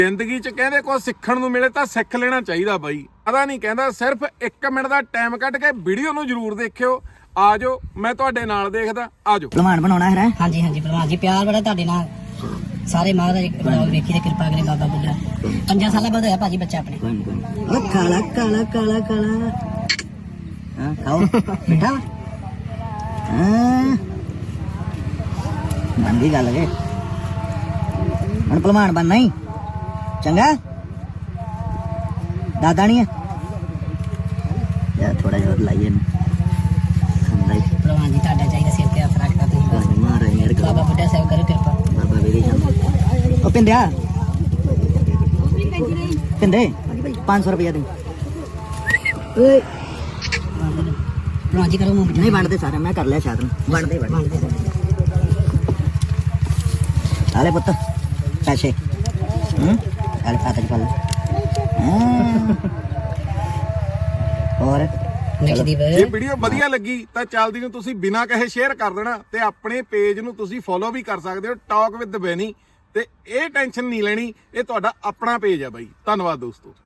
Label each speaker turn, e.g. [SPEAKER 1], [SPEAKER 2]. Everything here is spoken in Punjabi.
[SPEAKER 1] ਜ਼ਿੰਦਗੀ 'ਚ ਕਹਿੰਦੇ ਕੁਝ ਸਿੱਖਣ ਨੂੰ ਮਿਲੇ ਤਾਂ ਸਿੱਖ ਲੈਣਾ ਚਾਹੀਦਾ ਬਾਈ। ਪਤਾ ਨਹੀਂ ਕਹਿੰਦਾ ਸਿਰਫ 1 ਮਿੰਟ ਦਾ ਟਾਈਮ ਕੱਢ ਕੇ ਵੀਡੀਓ ਨੂੰ ਜ਼ਰੂਰ ਦੇਖਿਓ। ਆ ਜਾਓ, ਮੈਂ ਤੁਹਾਡੇ ਨਾਲ ਦੇਖਦਾ। ਆ ਜਾਓ।
[SPEAKER 2] ਭਲਵਾਨ ਬਣਾਉਣਾ ਹੈ।
[SPEAKER 3] ਹਾਂਜੀ ਹਾਂਜੀ ਭਲਵਾਨ ਜੀ, ਪਿਆਰ ਬੜਾ ਤੁਹਾਡੇ ਨਾਲ। ਸਾਰੇ ਮਹਾਰਾਜ ਬਲੌਗ ਵੇਖੀ ਤੇ ਕਿਰਪਾ ਕਰੇ ਬਾਬਾ ਬੁੱਢਾ। 5 ਸਾਲਾਂ ਬਾਅਦ ਹੋਇਆ ਭਾਜੀ ਬੱਚਾ ਆਪਣੇ।
[SPEAKER 2] ਉਹ ਕਾਲਾ ਕਾਲਾ ਕਾਲਾ ਕਾਲਾ ਹਾਂ ਖਾਓ ਬੇਟਾ। ਹਾਂ ਮੰਦੀ ਗੱਲ ਹੈ। ਹੁਣ ਭਲਵਾਨ ਬਣਨਾ ਹੀ ਚੰਗਾ। ਦਾਦਾ ਨਹੀਂ ਹੈ ਯਾਰ, ਥੋੜਾ ਜਿਹਾ ਲਾਈਏ ਨਾ।
[SPEAKER 3] ਭਲਵਾਨ ਜੀ ਤੁਹਾਡਾ ਚਾਹੀਦਾ ਸਿਰ ਤੇ ਹੱਥ ਰੱਖਦਾ ਤੁਸੀਂ।
[SPEAKER 2] ਮਾਰੇ ਮੇਰੇ
[SPEAKER 3] ਬਾਬਾ ਬੁੱਢਾ ਸਾਹਿਬ ਕਰੋ ਕਿਰਪਾ।
[SPEAKER 2] ਬਾਬਾ ਵੇਰੇ ਉਹ ਪਿੰਦਿਆ ਪਿੰਦੇ 500 ਰੁਪਇਆ ਦੇ। ਓਏ
[SPEAKER 3] ਭਲਵਾਨ ਜੀ ਕਰੋ ਮੂੰਹ
[SPEAKER 2] ਨਹੀਂ ਵੰਡਦੇ ਸਾਰੇ, ਮੈਂ ਕਰ ਲਿਆ ਸ਼ਾਇਦ ਵੰਡਦੇ ਆਲੇ ਪੁੱਤ ਪੈਸੇ ਆਲੇ ਖਾਤੇ ਚ ਪਾ ਲੈ। ਹੋਰ
[SPEAKER 3] ਨਕਸ਼ਦੀਪ
[SPEAKER 1] ਜੇ ਵੀਡੀਓ ਵਧੀਆ ਲੱਗੀ ਤਾਂ ਚੱਲਦੀ ਨੂੰ ਤੁਸੀਂ ਬਿਨਾਂ ਕਹੇ ਸ਼ੇਅਰ ਕਰ ਦੇਣਾ ਤੇ ਆਪਣੇ ਪੇਜ ਨੂੰ ਤੁਸੀਂ ਫੋਲੋ ਵੀ ਕਰ ਸਕਦੇ ਹੋ, ਟਾਕ ਵਿਦ ਬੈਨੀ। ਤੇ ਇਹ ਟੈਨਸ਼ਨ ਨਹੀਂ ਲੈਣੀ, ਇਹ ਤੁਹਾਡਾ ਆਪਣਾ ਪੇਜ ਆ ਬਾਈ। ਧੰਨਵਾਦ ਦੋਸਤੋ।